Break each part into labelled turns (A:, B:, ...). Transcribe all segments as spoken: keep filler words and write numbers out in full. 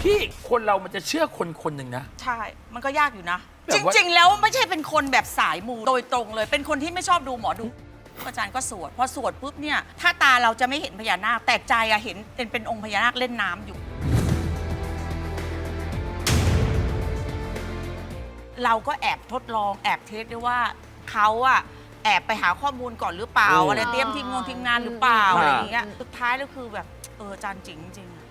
A: พี่คนเรามันจะเชื่อคนคนหนึ่งนะ
B: ใช่ มันก็ยากอยู่นะ
A: แบ
B: จ
A: บว่า
B: ริง ๆ แล้วไม่ใช่เป็นคนแบบสายมูโดยตรงเลย เป็นคนที่ไม่ชอบดูหมอดูอาจารย์ก็สวดพอสวดปุ๊บเนี่ยถ้าตาเราจะไม่เห็นพญานาคแต่ใจอะเห็นเป็นเป็นองค์พญานาคเล่นน้ำอยู่ เราก็แอบทดลองแอบเทสด้วยว่าเขาอะแอบไปหาข้อมูลก่อนหรือเปล่า
C: อืม
B: อะไรเตรียมทีมงงทีมงานหรือเปล่า
C: อืม
B: อะไรอย่างเงี้ยสุดท้ายแล้วคือแบบเอออาจารย์จริงจริง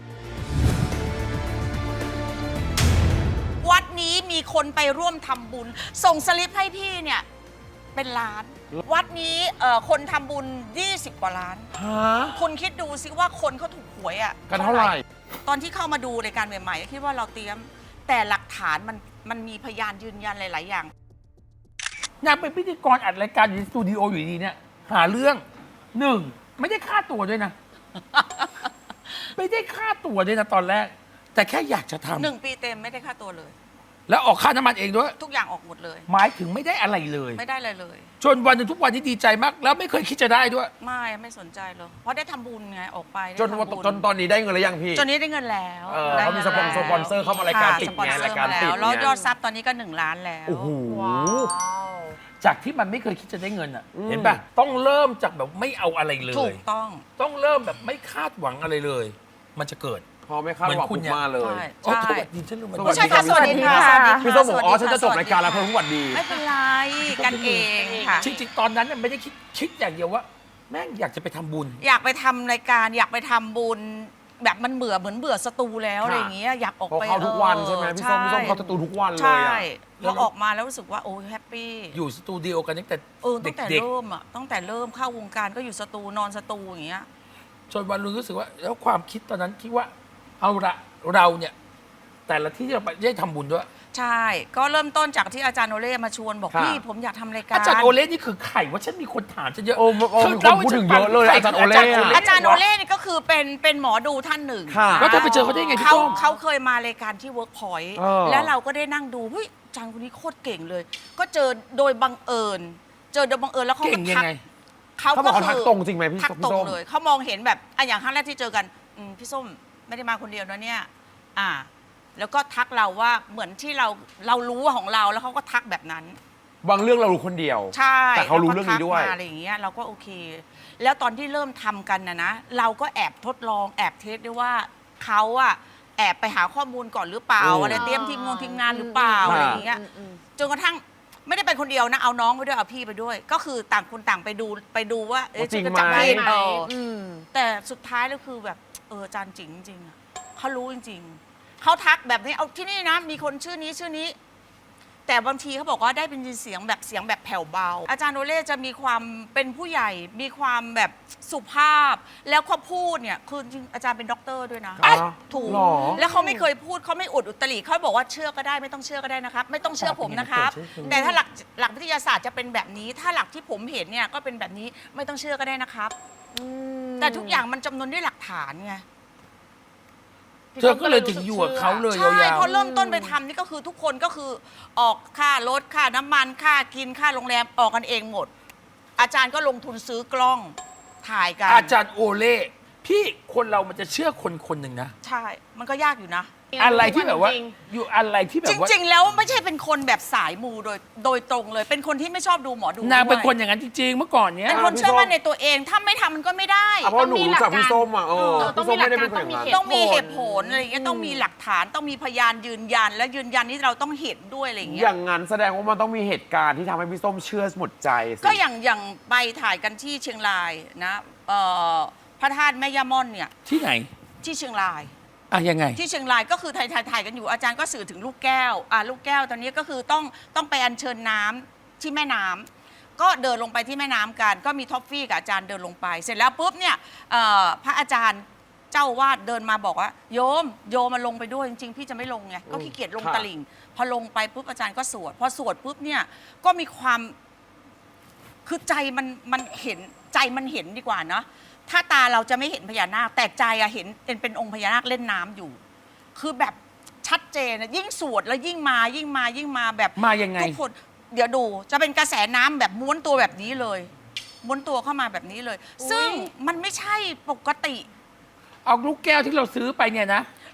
B: วัดนี้มีคนไปร่วมทำบุญ ส่งสลิปให้พี่เนี่ยเป็นล้าน วัดนี้เอ่อคนทำบุญยี่สิบกว่าล้าน
C: ฮะ
B: คุณคิดดูสิว่าคนเขาถูกหวยอะ
C: กันเท่าไหร่
B: ตอนที่เข้ามาดูรายการใหม่ๆคิดว่าเราเตรียมแต่หลักฐานมันมันมีพยานยืนยันหลายๆอย่าง
A: นางเป็นพิธีกรอัดรายการอยู่ในสตูดิโออยู่ดีๆเนี่ยหาเรื่องหนึ่งไม่ได้ค่าตัวด้วยนะ ไม่ได้ค่าตัวด้วยนะตอนแรก แต่แค่อยากจะทำ
B: หนึ่งปีเต็มไม่ได้ค่าตัวเลย
A: แล้วออกค่าน้ำมันเองด้วย
B: ทุกอย่างออกหมดเลย
A: หมายถึงไม่ได้อะไรเลย
B: ไม่ได้เลยเลย
A: จนวันหนึ่งทุกวันนี้ดีใจมาก แล้วไม่เคยคิดจะได้ด้วย
B: ไม่ไม่สนใจเลยเพราะได้ทำบุญไงออกไปได้
C: จน
B: ทำบุญ
C: จนตอนนี้ได้เงินหรือยังพี่
B: จนนี้ได้เงินแล้ว
C: เออ
B: ได้
C: เขามี
B: งิน
C: สปอนเซอร์
B: แล้ว
C: สปอนเซอร์เข้ามารายการ
B: ค่ะ
C: ติด
B: สปอน
C: ไง
B: เซอ
C: รายการ
B: มา
C: ติ
B: แล้
C: ด
B: วแล้ว
C: ไง
B: ยอดซับตอนนี้ก็หนึ่งล้านแล้ว
C: โอ้โห
A: จากที่มันไม่เคยคิดจะได้เงินอ่ะ
C: อืม
A: เห็นป่ะต้องเริ่มจากแบบไม่เอาอะไรเล
B: ถู
A: ย
B: กต้อง
A: ต้องเริ่มแบบไม่คาดหวังอะไรเลย มันจะเกิด
C: พอไม่คาดหวัง
A: เหมือนคุณ
C: ปุ๊บ
A: เนี่ย
C: มาเลย
B: ใช่
A: โอ้
B: ใช่
A: สวัสดีฉันลืม
C: สวั
B: ผู้
C: ส
B: ชายค่ะสวัสดีค่ะสวัสดีค่ะ
C: พี่ส้มบอกอ๋อฉันจะจบ
B: สวัสดี
C: รายการแล้วเพิ่งสวัสดี
B: ไม่เป็นไรกันเองค่ะ
A: จริงๆตอนนั้นน่ะไม่ได้คิดคิดอย่างเดียวว่า แม่งอยากจะไปทำบุญ
B: อยากไปทำรายการอยากไปทำบุญแบบมันเบื่อเหมือนเบื่อสตูแล้ว
C: ค่ะ
B: อะไรอย่างเงี้ยอยากออก
C: เขา
B: ไป
C: เข้าทุกวันใช่ไหมพี่ส้มพี่ส้มเข้าสตูทุกวันเลย
B: ใช่
C: อะ
B: พอออกมาแล้วรู้สึกว่าโอ้แฮปปี้
A: อยู่สตูดิโอกันตั้งแต่
B: เออตั้งแต่
A: เด็ก
B: เริ่มอ่ะตั้งแต่เริ่มเข้าวงการก็อยู่สตูนอนสตูอย่างเงี้ย
A: ๆจนวันนึงรู้สึกว่า แล้วความคิดตอนนั้นคิดว่า เอาละเราเนี่ย แต่ละที่ที่เราไปได้ทำบุญด้วย
B: ใช่ ก็เริ่มต้นจากที่อาจารย์โอเล่มาชวนบอก
C: ค่ะ
B: พี่ผมอยากทำรายการ
A: อาจารย์โอเล่นี่คือใครว่าฉันมีคนถามฉันเยอะ
C: โอ้โอ้มีคนพูดถึงเยอะเลยอาจารย์โอเล่อะ
B: อาจารย์โอเล่นี่ก็คือเป็นเป็นหมอดูท่านหนึ่ง
C: ค่ะ
A: แล้วเธอไปเจอเขาได้ไงพี่
B: เขา
A: ส้ม
B: เขาเคยมารายการที่ Workpoint
C: เออ
B: แล้วเราก็ได้นั่งดูเฮ้ยอาจารย์คนนี้โคตรเก่งเลย ก็เจอโดยบังเอิญ เจอโดยบังเอิญแล้วเขา
A: เก่
B: ก็
A: งยั
B: ทั
A: ง
B: ก
A: ไง
B: เขา
C: เขาบ
B: ก็
C: อกเขา
B: คื
C: ทัก
B: อ
C: ตรงจริงไหมพี่
B: ทัก
C: พี่
B: ตรง
C: ส้ม
B: เลยเขามองเห็นแบบอ่ะอย่างครั้งแรกที่เจอกันอืมพี่ส้มไม่ได้มาคนเดียวนะเนี่ยอ่า แล้วก็ทักเราว่าเหมือนที่เราเรารู้ของเราแล้วเขาก็ทักแบบนั้น
C: บางเรื่องเรารู้คนเดียว
B: ใช่
C: แต่เขารู้เรื่องนี้ด้วย
B: แล้ก็ทักมาอะไรอย่างเงี้ยเราก็โอเค แล้วตอนที่เริ่มทำกันนะนะเราก็แอบทดลองแอบเทสด้วยว่าเขาอะแอบไปหาข้อมูลก่อนหรือเปล่า
C: อืม
B: อะไรเตรียมทีมงงทีมงานหรือเปล่า
C: ค่ะ
B: อะไรอย่างเงี้ยจนกระทั่งไม่ได้ไปคนเดียวนะเอาน้องไปด้วยเอาพี่ไปด้วย ก็คือต่างคนต่างไปดูไปดูว่าเอ๊ะ
C: จริง
B: จะ
C: ไหม
B: จับผิดเอออ
D: ม
B: แต่สุดท้ายแล้วคือแบบเอออาจารย์จริงจริงๆอะเขารู้จริงๆเขาทักแบบนี้เอาที่นี่นะ มีคนชื่อนี้ชื่อนี้ แต่บางทีเขาบอกว่าได้เป็นยินเสียงแบบเสียงแบบแผ่วเบา อาจารย์โอเล่จะมีความเป็นผู้ใหญ่ มีความแบบสุภาพ แล้วเขาพูดเนี่ยคือจริงอาจารย์เป็นด็อกเตอร์ด้วยนะ
C: อ๋อ
B: ถูก
C: หรอ
B: แล้วเขาไม่เคยพูดเขาไม่อุดอุตริเขาบอกว่าเชื่อก็ได้ไม่ต้องเชื่อก็ได้นะครับ ไม่ต้องเชื่อผมนะครับ แต่ถ้าหลักหลักวิทยาศาสตร์จะเป็นแบบนี้ ถ้าหลักที่ผมเห็นเนี่ยก็เป็นแบบนี้ไม่ต้องเชื่อก็ได้นะครับ แต่ทุกอย่างมันจำนวนด้วยหลักฐานไง
A: เธอก็เลยถึงอยู่กับเขาเลย
B: ใช่
A: ยาว
B: พอเริ่มต้นไปทำนี่ก็คือทุกคนก็คือออกค่ารถค่าน้ำมันค่ากินค่าโรงแรมออกกันเองหมด อาจารย์ก็ลงทุนซื้อกล้องถ่ายกัน
A: ๆอาจารย์โอเล่พี่คนเรามันจะเชื่อคนคนหนึ่งนะ
B: ใช่ มันก็ยากอยู่นะ
A: อะไรที่แบบว่า
D: จริง
A: อยู่อะไรที่แบ
B: จ
A: บว่า
B: ริง ๆ แล้วไม่ใช่เป็นคนแบบสายมูโดยโดยตรงเลย เป็นคนที่ไม่ชอบดูหมอดู
A: นางเป็น
B: ด้วย
A: คนอย่างนั้นจริงๆเมื่อก่อนเนี้ย
B: เป็นคนเชื่อมั่นในตัวเอง ถ้าไม่ทำมันก็ไม่ได้
C: อ่ะเพราะหนูรู้จักพี่ส้มอ่ะเออ
D: เออต้อ
C: พี่
D: ง
C: ส้
D: มี
C: มไม่ได้เป็น
D: หลั
C: คน
D: ก
C: อ
D: การ
C: ย่างนั้น
B: ต้องมีเหตุผลอะไรอย่างเงี้ยต้องมีหลักฐานต้องมีพยานยืนยัน และยืนยันที่เราต้องเห็นด้วยอะไรอย่างเงี้
C: อย ย่างนั้นแสดงว่ามันต้องมีเหตุการณ์ที่ทำให้พี่ส้มเชื่อหมดใจสิ
B: ก็อย่างอย่างไปถ่ายกันที่เชียงรายนะเอ่อพระธาตุแม่ย่าม่อนเนี่ย
A: ที่ไหน
B: ที่เชียงราย
A: อ่ะยังไง
B: ที่เชียงรายก็คือถ่ายถ่ายถ่ายกันอยู่อาจารย์ก็สื่อถึงลูกแก้วอ่าลูกแก้วตอนนี้ก็คือต้องต้องไปอัญเชิญน้ำที่แม่น้ำก็เดินลงไปที่แม่น้ำกัน ก็มีท็อฟฟี่กับอาจารย์เดินลงไป เสร็จแล้วปุ๊บเนี่ยเอ่อพระอาจารย์เจ้าวาดเดินมาบอกว่าโยมโยมมาลงไปด้วยจริงๆพี่จะไม่ลงไงก็ขี้เกียจลง
C: ค่ะ
B: ตลิ่ง พอลงไปปุ๊บอาจารย์ก็สวดพอสวดปุ๊บเนี่ยก็มีความคือใจมันมันเห็นใจมันเห็นดีกว่าเนาะถ้าตาเราจะไม่เห็นพญานาคแต่ใจอะเห็นเป็นเป็นองค์พญานาคเล่นน้ำอยู่ คือแบบชัดเจนนะยิ่งสวดแล้วยิ่งมายิ่งมายิ่งมาแบบ
A: มายังไง
B: ทุกคนเดี๋ยวดูจะเป็นกระแสน้ำแบบม้วนตัวแบบนี้เลย ม้วนตัวเข้ามาแบบนี้เลย ซึ่งมันไม่ใช่ปกติ
A: เอาลูกแก้วที่เราซื้อไปเนี่ยนะ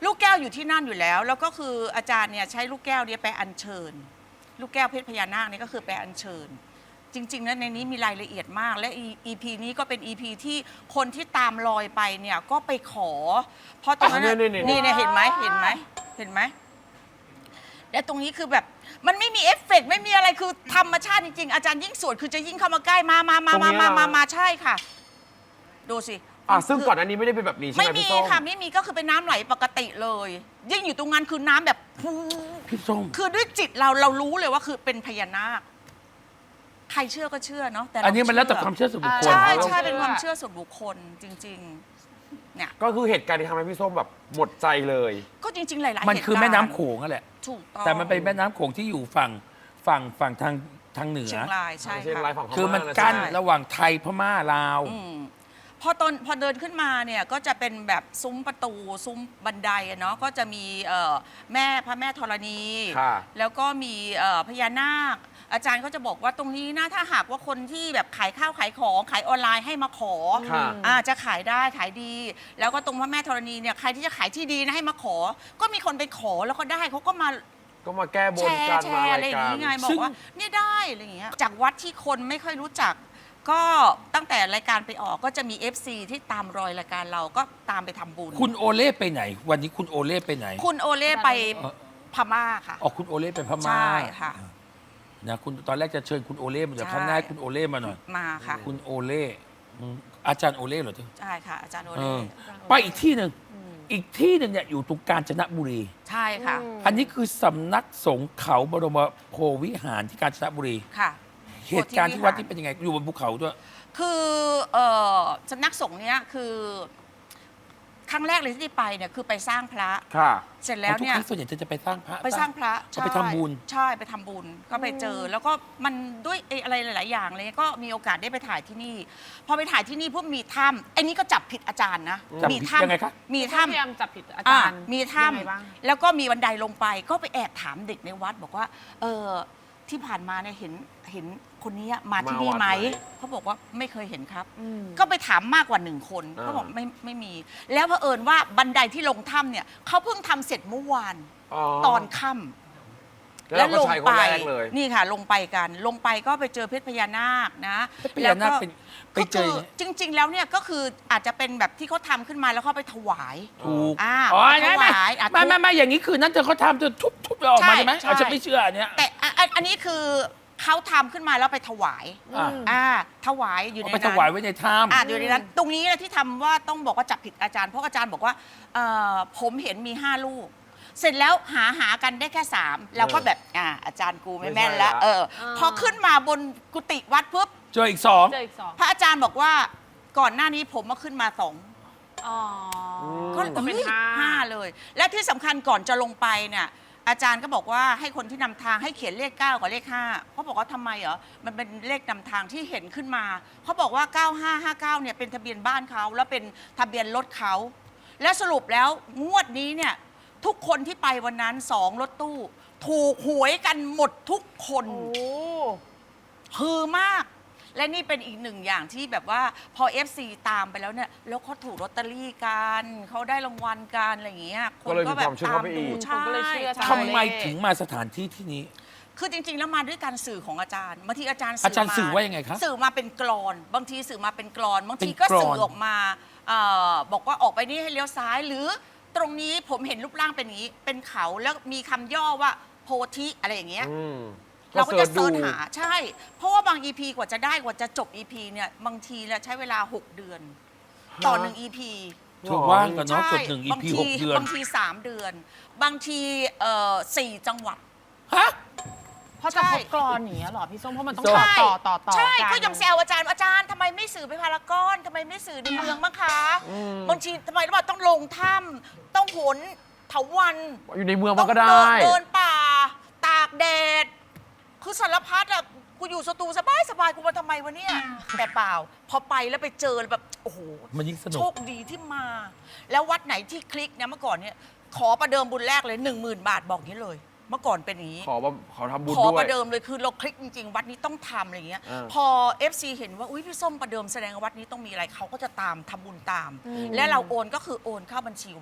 B: ลูกแก้วอยู่ที่นั่นอยู่แล้ว แล้วก็คืออาจารย์เนี่ยใช้ลูกแก้วเนี่ยไปอัญเชิญ ลูกแก้วเพชรพญานาคนี่ก็คือไปอัญเชิญ จริงๆแล้วในนี้มีรายละเอียดมาก และ อี พี นี้ก็เป็น อี พี ที่คนที่ตามรอยไปเนี่ยก็ไปขอ เพราะตรงนั้นน่ะ
C: อ่ะนี่ๆๆ
B: นี่เนี่ยเห็นไหมเห็นไหมเห็นไหมและตรงนี้คือแบบมันไม่มีเอฟเฟกต์ไม่มีอะไรคือธรรมชาติจริงๆ อาจารย์ยิ่งสวดคือจะยิ่งเข้ามาใกล้มามามามามามามาใช่ค่ะ ดูสิ
C: อ่ะซึ่งก่อนอันนี้ไม่ได้เป็นแบบนี้ใช่ไห
B: ไม่
C: ม
B: มี
C: พี่ส้ม
B: ค่ะไม่มีก็คือเป็นน้ำไหลปกติเลย ยิ่งอยู่ตรงนั้นคือน้ำแบบพู
A: พี่ส้ม
B: คือด้วยจิตเราเรารู้เลยว่าคือเป็นพญานาค ใครเชื่อก็เชื่อเนาะแต่เรา
A: อันนี้มันแล้วแต่ความเชื่อส่วนบุคคล
B: ใช่
C: เรา
B: ใช่
C: เชื่อ
B: เป็นความเชื่อส่วนบุคคลจริง ๆ เนี่ย
C: ก็คือเหตุการณ์ที่ทำให้พี่ส้มแบบหมดใจเลย
B: ก็จริง ๆ หลายๆ
A: มันคือ
B: เหตุการณ์
A: แม่น้ำโขงนั่นแหละ
B: ถูกต้อง
A: แต่มันเป็นแม่น้ำโขงที่อยู่ฝั่งฝั่งฝั่งทางทางเหนือ
B: เชียงรายใช่
C: เชียง
B: ค่ะ
C: รายฝั่งพ
A: คือมัน
C: ะ
A: กั้น
C: ใช่ไห
A: ระหว่างไทยพม่าลาว
B: อืมพอตอนพอเดินขึ้นมาเนี่ยก็จะเป็นแบบซุ้มประตูซุ้มบันไดอะเนาะก็จะมีเอ่อแม่พระแม่ธรณี
C: ค่ะ
B: แล้วก็มีเอ่อพญานาค อาจารย์ก็จะบอกว่าตรงนี้นะถ้าหากว่าคนที่แบบขายข้าวขายของขายออนไลน์ให้มาขอ
C: ค่ะ
B: อ่าจะขายได้ขายดี แล้วก็ตรงพระแม่ธรณีเนี่ยใครที่จะขายที่ดีนะให้มาขอ ก็มีคนไปขอแล้วก็ได้เขาก็มา
C: ก็มาแก้บ
B: แช
C: นกั
B: ร์
C: น
B: แช
C: มา
B: ร์
C: อะ
B: อะไร
C: ไร
B: อย่า
C: กั
B: ง
C: น
B: นี้ไงบอ
A: ซึ่
B: ก
A: ง
B: ว่าเนี่ยได้อะไรอย่างเงี้ยจากวัดที่คนไม่ค่อยรู้จัก ก็ตั้งแต่รายการไปออกก็จะมี เอฟ ซี ที่ตามรอยรายการเราก็ตามไปทำบุญ
A: คุณโอเล่ไปไหน วันนี้คุณโอเล่ไปไหน
B: คุณโอเล่ไป
A: เอ่อ
B: พม่าค่ะ
A: อ๋อคุณโอเล่ไปพม่า
B: ใช่ค่ะ
A: นะคุณตอนแรกจะเชิญคุณโอเล่มาเดี๋ยว
B: ใช่
A: ครั้งหน้าให้คุณโอเล่มาหน่อย
B: มาค่ะ
A: คุณโอเล่อืมอาจารย์โอเล่เหรอเธอ
B: ใช่ค่ะ อาจารย์โอ
A: เอ
B: เล่
A: อไปอีกที่หนึ่งอีกที่หนึ่งเนี่ยอยู่ตรงกาญจนบุรี
B: ใช่ค่ะ
A: อันนี้คือสำนักสงฆ์เขาบรมโพธิวิหารที่กาญจนบุรี
B: ค่ะ
A: เหตุการณ์ที่วัดที่เป็นยังไงอยู่บนภูเขาด้วย
B: คือเอ่อสำนักสงฆ์เนี้ยคือครั้งแรกเลยที่ไปเนี่ยคือไปสร้างพระ
C: ค่ะ
B: เสร็จแล้วเนี่ย
A: ทุกครั้งส่วนใหญ่จะไปสร้างพระ
B: ไปสร้างพระ
A: เอาไปทำบุญ
B: ใช่ไปทำบุญก็ไปเจอ แล้วก็มันด้วยไอ้อะไรหลาย ๆ อย่างเลยก็มีโอกาสได้ไปถ่ายที่นี่ พอไปถ่ายที่นี่พวกมีถ้ำไอ้นี่ก็จับผิดอาจารย์นะ
A: จับ
B: มี
A: ผิด
B: ถ้ำ
A: ยังไงคะ
B: มี
D: ถ้าพยายา
B: ถ้ำ
D: มจับผิดอา
B: อ่า
D: จารย์
B: มี
D: ยังไง
B: ถ้ำ
D: บ้าง
B: แล้วก็มีบันไดลงไป ก็ไปแอบถามเด็กในวัดบอกว่า เออที่ผ่านมาเนี่ยเห็นเห็นคนนี้มาที่นี่ไหม
C: มาวัดไหม
B: เขาบอกว่าไม่เคยเห็นครับ
D: อืม
B: ก็ไปถามมากกว่าหนึ่งคน
C: อ่า
B: เขาบอกไม่ไม่มี แล้วเผอิญว่าบันไดที่ลงถ้ำเนี่ยเขาเพิ่งทำเสร็จเมื่อวาน ตอนค่ำ
C: แล้วเราก็ใช้คนแรกเลย
B: นี่ค่ะลงไปกัน ลงไปก็ไปเจอเพชรพญานาคนะ
A: เพชรพญานาคเป็นไป
B: ก็
A: เจ
B: คือ อจริง ๆ แล้วเนี่ยก็คืออาจจะเป็นแบบที่เขาทำขึ้นมาแล้วเขาไปถวาย
A: ถูก
B: อ่า
A: อ๋อไม่ไม่
B: ถวายอ่ะ
A: ไม่ไม่ไม่อย่างนี้คือนั่นเธอเขาทำเธอทุบทุบแล้วออกมา
B: ใช่
A: ใช่ไหม
B: ใช่
A: เอาฉันไม่เชื่ออันเนี้ย
B: แต่อ่ะอันอันนี้คือเขาทำขึ้นมาแล้วไปถวาย
A: อ่ะ
B: อ่าถวายอยู่ใน
A: เอาไป
B: นั้น
A: ถวายไว้ในถ้
B: อ่าอยู่ในนั้นตรงนี้นะที่ทำว่าต้องบอกว่าจับผิดอาจารย์เพราะอาจารย์บอกว่าเอ่อผมเห็นมีห้าลูก เสร็จแล้วหาหากันได้แค่สามเราก็แบบอ่าอาจารย์กูไม่แม่นแล้ว
C: ไม่ใช่ละ
B: เออ
D: อ่า
B: พอขึ้นมาบนกุฏิวัดปุ๊บ
A: ำเจออีกสอง
D: เจออีกสอง
B: พระอาจารย์บอกว่าก่อนหน้านี้ผมมาขึ้นมาสอง
D: อ๋อ
B: ก็
D: ก็เป็น
B: เฮ้ย
D: ห้า
B: ห้าเลย และที่สำคัญก่อนจะลงไปเนี่ยอาจารย์ก็บอกว่าให้คนที่นำทางให้เขียนเลขเก้ากับเลขห้าเขาบอกว่าทำไมเหรอมันเป็นเลขนำทางที่เห็นขึ้นมาเขาบอกว่าเก้าห้าห้าเก้าเนี่ยเป็นทะเบียนบ้านเขาแล้วเป็นทะเบียนรถเขาและสรุปแล้วงวดนี้เนี่ยทุกคนที่ไปวันนั้นสองรถตู้ ถูกหวยกันหมดทุกคน
D: โอ้
B: ฮือมาก และนี่เป็นอีกหนึ่งอย่างที่แบบว่าพอ เอฟ ซี ตามไปแล้วเนี่ยแล้วเขาถูกลอตเตอรี่กันเขาได้รางวัลกันอะไรอย่างเงี้ยค
C: ก็
B: น
C: เลย
B: ก็
C: มี
B: แบ
C: ค
B: บ
C: วามเชื่อ
B: ตาม
C: เข้าไป
B: ดู
C: อีก
B: ใช่
D: คนก็เลยเชื่อ
B: ใช่
A: ทำไมถึงมาสถานที่ที่นี้
B: คือจริง ๆ แล้วมาด้วยการสื่อของอาจารย์บางทีอาจารย์
A: อาจารย์
B: ม
A: สื่อว่ายังไงคะ
B: สื่อมาเป็นกรอน บางทีสื่อมาเป็นกรอน บางที
A: เป็น
B: ก็
A: กลอน
B: สื่อออกมาเออบอกว่าออกไปนี่ให้เลี้ยวซ้าย หรือตรงนี้ผมเห็นรูปร่างเป็นอย่างนี้ เป็นเขาแล้วมีคำย่อว่าโพธิอะไรอย่างเงี้ย
C: อืม
B: เราก็จะเสิร์ช
C: ดู
B: หาใช่ เพราะว่าบาง อี พี กว่าจะได้กว่าจะจบ อี พี เนี่ยบางทีเนี่ยใช้เวลา หก เดือน ต่อหนึ่ง อี พี
A: เธอว่างกันเนาะ
B: ใช่
A: กดหนึ่ง อี
B: บาง
A: พี
B: ที
A: หกเดือน
B: บางทีสามเดือน บางทีเอ่อสี่จังหวัด
A: ฮะ
D: เพราะจะ
B: ใช่
D: ครบกรอนอย่างเงี้ยเหรอพี่ส้มเพราะมันต้อง
A: ใช่
D: ต่อต่อต่อต่อ
B: ใช่
D: กัน
B: ก็ยังแซวอาจารย์อาจารย์ทำไมไม่สื่อไปพารากอนทำไมไม่สื่อในเมืองบ้างคะบางทีทำไมรู้ป่ะต้องลงถ้ำต้องโหนเถาวัน
C: อยู่ในเมือง
B: ต้
C: มั
B: อน ง
C: ก็
B: เดิ
C: ได้
B: นเดินป่า ตากแดด คือสารพัดอะกูอยู่สตูสบายสบายกูมาทำไมวะเนี่ย แต่เปล่า พอไปแล้วไปเจอแบบ โอ้โห
A: มันยิ่งสนุ
B: โช
A: ก
B: คดีที่มา แล้ววัดไหนที่คลิกเนี่ยเมื่อก่อนเนี่ย ขอประเดิมบุญแรกเลยหนึ่งหมื่นบาทบอกอย่างนี้เลย เมื่อก่อนเป็นอย่างนี้
C: ขอว่าขอทำบุญ
B: ขอ
C: ด้ว
B: ป
C: ย
B: ระเดิมเลยคือเราคลิกจริง ๆ วัดนี้ต้องทำอะไรเงี้ย
C: อ่า
B: พอ เอฟ ซี เห็นว่าอุ้ยพี่ส้มประเดิมแสดงว่าวัดนี้ต้องมีอะไรเขาก็จะตามทำบุญตาม และเราโอนก็คือโอนเข้าบัญชีวัด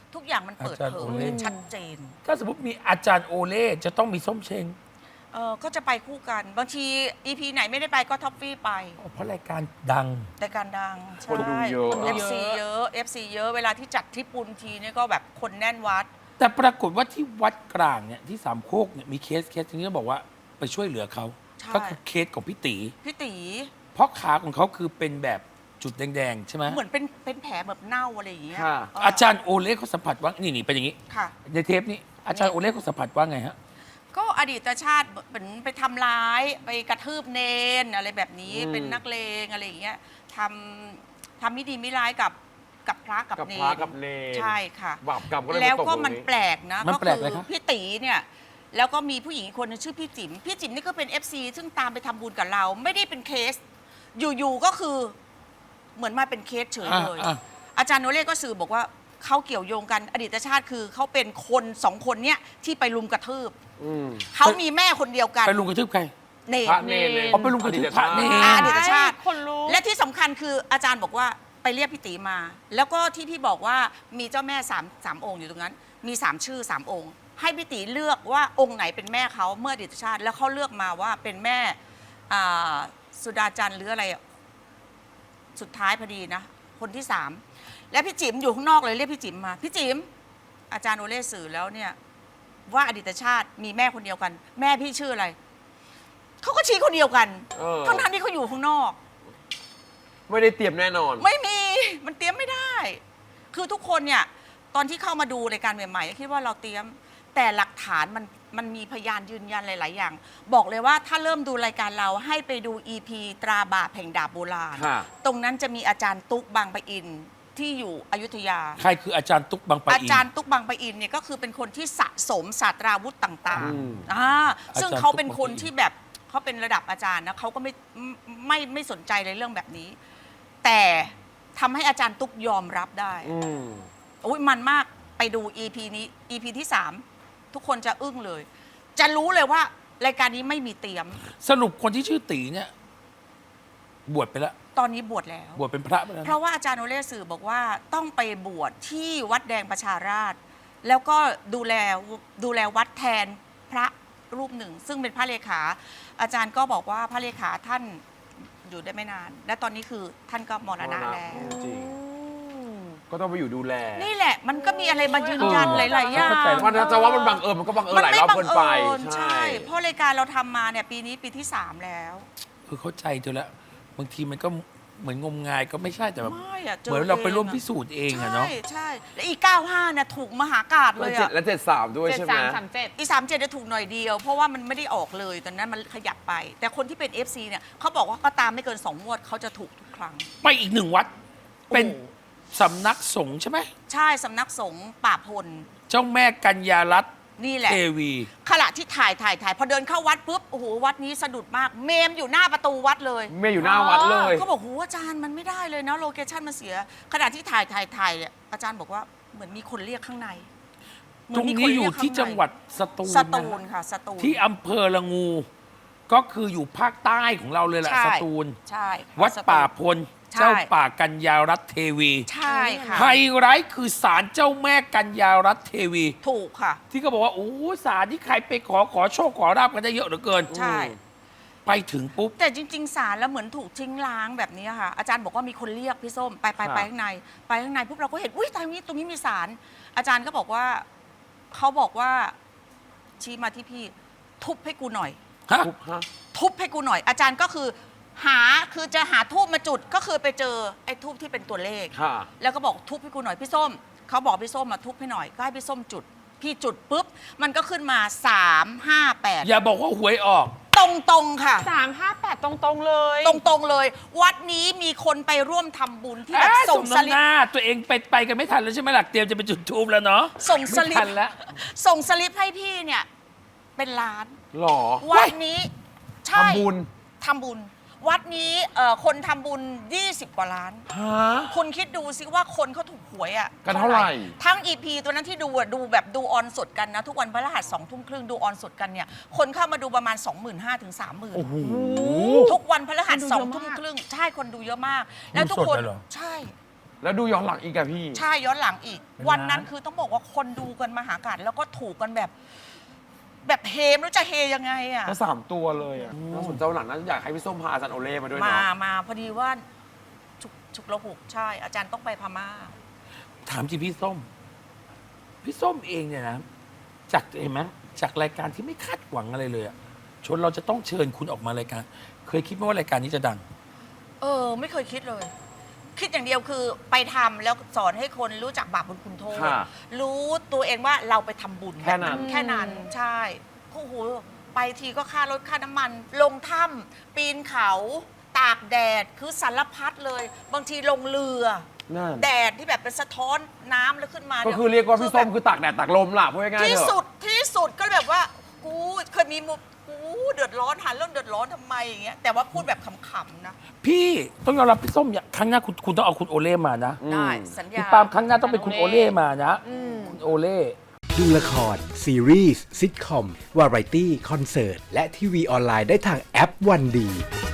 B: ทุกอย่างมันเปิด
A: อาจารย์
B: เผ
A: โอย เล่
B: ชัดเจน
A: ถ้าสมมติมีอาจารย์โอเล่จะต้องมีส้มเชง
B: เออก็จะไปคู่กัน บางที อี พี ไหนไม่ได้ไปก็ท็อปฟี่ไป
A: เพราะรายการดัง
B: รายการดัง
C: คนดูเยอะ
B: เอฟซีเยอะ เอฟซีเยอะ เวลาที่จัดที่ปุนทีเนี่ยก็แบบคนแน่นวัด
A: แต่ปรากฏว่าที่วัดกลางเนี่ยที่สามโคกเนี่ยมีเคสเคสที่บอกว่าไปช่วยเหลือเขา
B: ใช่
A: ก็คือเคสของพี่ตี
B: พี่ตี
A: เพราะขาของเขาคือเป็นแบบจุดแดงๆ ใช่ไหม
B: เหมือนเป็นเป็นแผลแบบเน่าอะไรอย่างเงี้ย
C: ค่ะ
B: เ
A: อาจารย์โอเล่เขาสัมผัสว่านี่นี่เป็นอย่างนี้
B: ค่ะ
A: ในเทปนี้อาจารย์โอเล่เขาสัมผัสว่าไงฮะ
B: ก็อดีตชาติเหมือนไปทำร้ายไปกระทืบเนนอะไรแบบนี้
C: อืม
B: เป็นนักเลงอะไรอย่างเงี้ยทำทำไม่ดีไม่ร้ายกับกับพระกับ
C: กับ
B: เน
C: พระ
B: น
C: กับเนร
B: ใช่ค่ะ
C: บาปกรรมก็เลย
B: แล้ว
C: มาตก
B: ก็
C: ตรง
B: มันแปลกนะ
A: มัน
B: ก็
A: แปลก
B: คื
A: เลยครับ
B: พี่ตีเนี่ยแล้วก็มีผู้หญิงอีกคนนึงชื่อพี่จิ๋มพี่จิ๋มนี่ก็เป็น เอฟ ซี ซึ่งตามไปทำบุญกับเรา ไม่ได้เป็นเคส อยู่ๆก็คือเหมือนมาเป็นเคสเฉยเลย
A: อ่ะ
B: อาจารย์โนเล่ก็สื่อบอกว่าเขาเกี่ยวโยงกันอดีตชาติคือเขาเป็นคนสองคนเนี้ยที่ไปลุมกระทืบ
C: อืม
B: เขามีแม่คนเดียวกัน
A: ไปลุงกระทืบใคร
B: เน
C: พระ
B: ร
C: เนรเลย
A: อ๋อไปลุมกระทืบพระเนร
B: อ่าอดีตชาติ
D: คนรู้
B: และที่สำคัญคืออาจารย์บอกว่าไปเรียกพี่ตีมา แล้วก็ที่พี่บอกว่ามีเจ้าแม่สามสามองค์อยู่ตรงนั้น มีสามชื่อสามองค์ ให้พี่ตีเลือกว่าองค์ไหนเป็นแม่เขาเมื่ออดีตชาติ แล้วเขาเลือกมาว่าเป็นแม่อ่าสุดาจันทร์หรืออะไรอะสุดท้ายพอดีนะ คนที่สามและพี่จิ๋มอยู่ข้างนอกเลยเรียกพี่จิ๋มมาพี่จิ๋มอาจารย์โอเล่สื่อแล้วเนี่ย ว่าอดีตชาติมีแม่คนเดียวกัน แม่พี่ชื่ออะไรเขาก็ชี้คนเดียวกัน
C: เออ
B: ทั้งนั้นที่เขาอยู่ข้างนอก
C: ไม่ได้เตรียมแน่นอน
B: ไม่มีมันเตรียมไม่ได้ คือทุกคนเนี่ยตอนที่เข้ามาดูรายการใหม่ๆคิดว่าเราเตรียมแต่หลักฐานมันมันมีพยานยืนยันหลาย ๆ อย่าง บอกเลยว่าถ้าเริ่มดูรายการเราให้ไปดู อี พี ตราบาปแห่งดาบโบราณ
C: ค่ะ
B: ตรงนั้นจะมีอาจารย์ตุ๊กบางปะอินที่อยู่อยุธยา
A: ใครคืออาจารย์ตุ๊กบางปะ
B: อา
A: อิน
B: จารย์ตุ๊กบางปะอินเนี่ยก็คือเป็นคนที่สะสมศาสตราวุธต่าง
C: อืม
B: ๆอ่าซึ่ง
A: อาจารย์
B: เขาเป็นคน
A: ตุ๊กบางปะอิน
B: ที่แบบเขาเป็นระดับอาจารย์นะเขาก็ไม่ไม่ไม่ไม่สนใจในเรื่องแบบนี้ แต่ทำให้อาจารย์ตุ๊กยอมรับได้
C: อืม
B: โอ้ยมันมากไปดู อี พี นี้ อี พี ที่สามทุกคนจะอึ้งเลย จะรู้เลยว่ารายการนี้ไม่มีเตรียม
A: สรุปคนที่ชื่อตีเนี่ยบวชไปแล้ว
B: ตอนนี้บวชแล้ว
A: บวชเป็นพระไปแล้ว
B: เพ
A: นะ
B: ราะว่าอาจารย์โอเล่สื่อบอกว่าต้องไปบวชที่วัดแดงประชาราษฎร์แล้วก็ดูแลดูแลวัดแทนพระรูปหนึ่ง ซึ่งเป็นพระเลขา อาจารย์ก็บอกว่าพระเลขาท่านอยู่ได้ไม่นาน และตอนนี้คือท่านก็มรณะแล้ว
C: จริง ก็ต้องไปอยู่ดูแล
B: นี่แหละมันก็มีอะไรมายืนยัน
C: เออ
B: หลาย ๆ อย่าง
A: เข้าใจ
C: มันจะว่ามันบังเอิญมันก็บังเอิญหลายรอบเกินไป
B: ใช่ เพราะรายการเราทำมาเนี่ยปีนี้ปีที่สามแล้ว
A: คือเข้าใจเธอแล้วบางทีมันก็เหมือนงมงายก็ไม่ใช่แต่แบบ
B: ไม่อะเจอ
A: เหมือนเราไปร่วม
B: เองอะ
A: พิสูจน์เองอะเนาะ
B: ใช่ใช่แล้วอีกเก้าห้าเนี่ยถูกมหากาบ
C: แล้
B: เล
C: วย เจ็ด
B: อะ
C: และเจ็ดสามด้วย
D: เจ็ด
C: ใช่ไหม
D: สามสามเจ็ด
B: อีสามเจ็ดจะถูกหน่อยเดียว เพราะว่ามันไม่ได้ออกเลยตอนนั้นมันขยับไป แต่คนที่เป็น เอฟ ซี เนี่ยเขาบอกว่าก็ตามไม่เกินสองงวดเขาจะถูกทุกครั้ง
A: ไปอีกหนึ่งวัด เป็น
B: โอ้
A: สำนักสงฆ์ใช่ไหม
B: ใช่สำนักสงฆ์ป่าพล
A: เจ้าแม่กัญญารัตน์
B: นี่แหละ
A: เทวี
B: ขณะที่ถ่ายถ่ายถ่ายพอเดินเข้าวัดปุ๊บโอ้โหวัดนี้สะดุดมาก เมมอยู่หน้าประตูวัดเลย
C: เมียอยู่หน้าวัดเลย
B: เขาบอกโหอาจารย์มันไม่ได้เลยนะโลเคชั่นมันเสีย ขณะที่ถ่ายถ่ายถ่ายเนี่ยอาจารย์บอกว่าเหมือนมีคนเรียกข้างในเหมื
A: ตรง
B: มีค
A: นี้อยู่
B: เรีกข้า
A: ที่จังหวัดสตูล
B: ส
A: นะ
B: ตูลค่ะสตูล
A: ที่อำเภอละงู ก็คืออยู่ภาคใต้ของเราเลยแหละ
B: ใช่
A: สตูล
B: ใช่ค่ะ
A: วัด
B: สตูล
A: ป่าพล
B: ใช่
A: เจ้าป่ากัญญารัตน์เทวี
B: ใช่ค่ะ
A: ไฮไลท์คือศาลเจ้าแม่กัญญารัตน์เทวี
B: ถูกค่ะ
A: ที่เขาบอกว่าโอ้ศาลที่ใครไปขอขอโชคขอราบกันได้เยอะเหลือเกิน
B: ใช่
A: ไปถึงปุ๊บ
B: แต่จริง ๆ สารแล้วเหมือนถูกทิ้งล้างแบบนี้ค่ะ อาจารย์บอกว่ามีคนเรียกพี่ส้มไปไป
C: ครับ
B: ไปข้างใน ไปข้างในปุ๊บเราก็เห็นอุ้ยตรงนี้ตรงนี้มีสารอาจารย์ก็บอกว่าเขาบอกว่าชี้มาที่พี่ทุบให้กูหน่อย
A: ฮะ
C: ทุบฮะ
B: ทุบให้กูหน่อย อาจารย์ก็คือ หาคือจะหาทูบมาจุดก็คือไปเจอไอ้ทูบที่เป็นตัวเลข
C: ค่ะ
B: แล้วก็บอกทุบให้กูหน่อยพี่ส้มเขาบอกพี่ส้มมาทุบให้หน่อยก็ให้พี่ส้มจุด พี่จุดปุ๊บมันก็ขึ้นมาสามห้าแปด
A: อย่าบอกว่าหวยออก
B: ตรงตรงๆค่ะ
D: สามห้าแปดตรงๆเลย
B: ตรงตรงๆเลย วัดนี้มีคนไปร่วมทำบุญที่แบบ
A: เอ้ย
B: ส่
A: ส่
B: ง
A: ง
B: ส
A: น้ำ
B: ลิ
A: ห
B: ป
A: น้าตัวเองไปไปกันไม่ทันแล้วใช่ไหมล่ะเตรียมจะไปจุดทูบแล้วเนาะ
B: ส่งสลิ
A: ไม่
B: ป
A: ทันแล้ว
B: ส่งสลิปให้พี่เนี่ยเป็นล้าน
C: หรอ
B: วัดนี้ใช่
C: ทำบุญ
B: ทำบุญ วัดนี้เอ่อคนทำบุญยี่สิบกว่าล้าน
C: ฮะ
B: คุณคิดดูสิว่าคนเขาถูกหวยอ่ะ
C: กันเท่าไหร่
B: ทั้งอีพีตัวนั้นที่ดูอะดูแบบดูออนสดกันนะ ทุกวันพฤหัสสองทุ่มครึ่งดูออนสดกันเนี่ย คนเข้ามาดูประมาณ สองหมื่นห้าพัน ถึง สามหมื่น
A: โอ้โห
B: ทุกวันพฤหัส
D: คนดู
B: ส
D: เย
B: อง
D: อะมาก
B: ทุ่มครึ่งใช่คนดูเยอะมาก แล้วทุก
A: ดูสด
B: คน
A: เลยเหรอ
B: ใช่
C: แล้วดูย้อนหลังอีกอะพี่
B: ใช่ย้อนหลังอีก
A: เป็น
B: วันนั้น
A: ล้าน
B: คือต้องบอกว่าคนดูกันมหากาพย์แล้วก็ถูกกันแบบ แบบเฮไม่รู้จะเฮยังไงอ่ะ
C: ก็สามตัวเลยอะน่าสนใจวันหลังน่าจะอยากให้พี่ส้มพาอาจารย์โอเล่มาด้วย
B: มา
C: เนาะ
B: มาพอดีว่าฉุกฉุกระหุกใช่ อาจารย์ต้องไปพม่า
A: ถามจริงพี่ส้ม พี่ส้มเองเนี่ยนะจากเห็นไหมจากรายการที่ไม่คาดหวังอะไรเลยอะชนเราจะต้องเชิญคุณออกมารายการ เคยคิดไหมว่ารายการนี้จะดัง
B: เออ ไม่เคยคิดเลย คิดอย่างเดียวคือไปทำแล้วสอนให้คนรู้จักบาปบุญคุณโทษ
C: ค่ะ
B: รู้ตัวเองว่าเราไปทำบุญ
C: แค่นั้น
B: แค่นั้นใช่โอ้โหไปทีก็ค่ารถค่าน้ำมัน ลงถ้ำปีนเขาตากแดดคือสารพัดเลย บางทีลงเรือ
C: นั่น
B: แดดที่แบบเป็นสะท้อนน้ำแล้วขึ้นมา
C: ก็
B: นี่
C: คือเรียกว่าพี่ส้ม
B: แบบ
C: คือตากแดดตากลมล่ะพูดง่ายๆ
B: ที่
C: เถ
B: สุ
C: อะ
B: ดที่สุดก็แบบว่ากูเคยมีมุมกูเดือดร้อนหาเรื่องเดือดร้อนทำไมอย่างเงี้ยแต่ว่าพูดแบบขำๆนะ
A: พี่ต้องยอมรับพี่ส้มอย่าครั้งหน้าคุณคุณต้องเอาคุณโอเล่มานะ
C: อืม
B: ได้สัญ
A: พี่
B: ญา
A: ปาล์มครั้งหน้าต้องเป็นคุณโอเล่มานะคุณโอเล่
E: ดูละคร ซีรีส์ซิทคอม วาไรตี้ คอนเสิร์ต และทีวีออนไลน์ได้ทางแอปวันดี